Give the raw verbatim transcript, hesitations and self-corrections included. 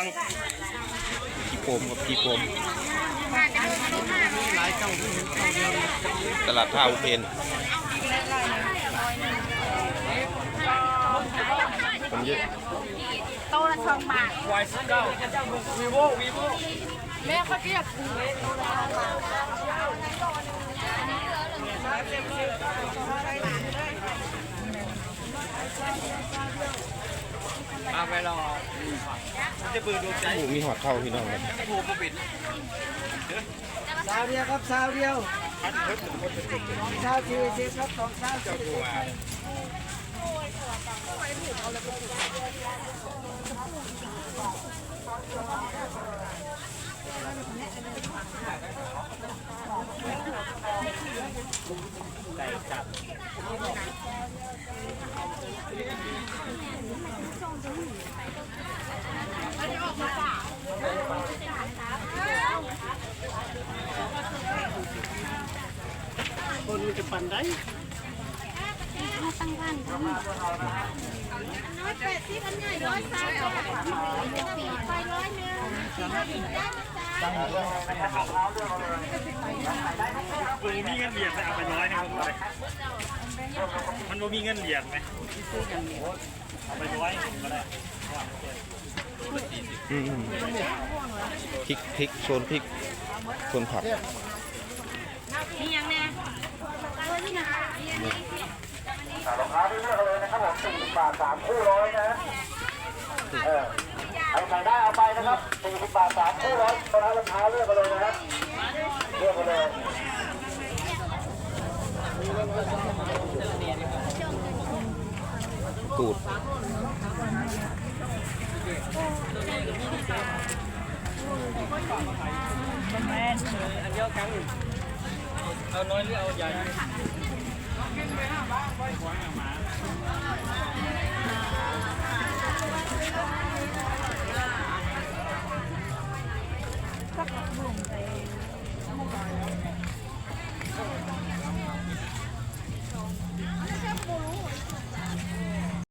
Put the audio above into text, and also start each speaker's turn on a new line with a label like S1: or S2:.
S1: พี่โปมกับพี่โปมตลาดท่าอุเทนคนเยอะ
S2: โตละสองบาทวายสิบเก้าวีโววีโวแม่เขาเรียกเอาไปรอจะเปิดดูใจ
S1: มีหอดเท่าพี่น้องเลย
S3: สาวเดียวครับสาวเดียวสาวสี่สิบครับสองสาวสี่สิบ
S2: ไก่จับคนมันจะปั่นได้
S4: ตั้งพันน้อยแปดสิบอันใหญ่ร้อยสามสี่ไปร้อยหนึ่ง
S2: กูมีเงินเหรียญไหมเอาไปร้อยนะครับมันมีเงินเหรียญไหมเอาไปร้อยก็ได้
S1: พริกพริกโซนพริกโซนผัก
S4: มีอย่างแน่ด้วยนี่นะ
S3: รองเท้าที่เลือกเลยนะครับผมสี่สิบบาทสามคู่ร้อยนะเออเอาใส่ได้เอาไปนะครับสี่สิบบาทสามคู่ร้อยรองเท้ารองเท้าเลือกกันเลยนะครับเลือกกันเลย
S1: ตูด
S2: เอาน้อยหรือเอาใหญ่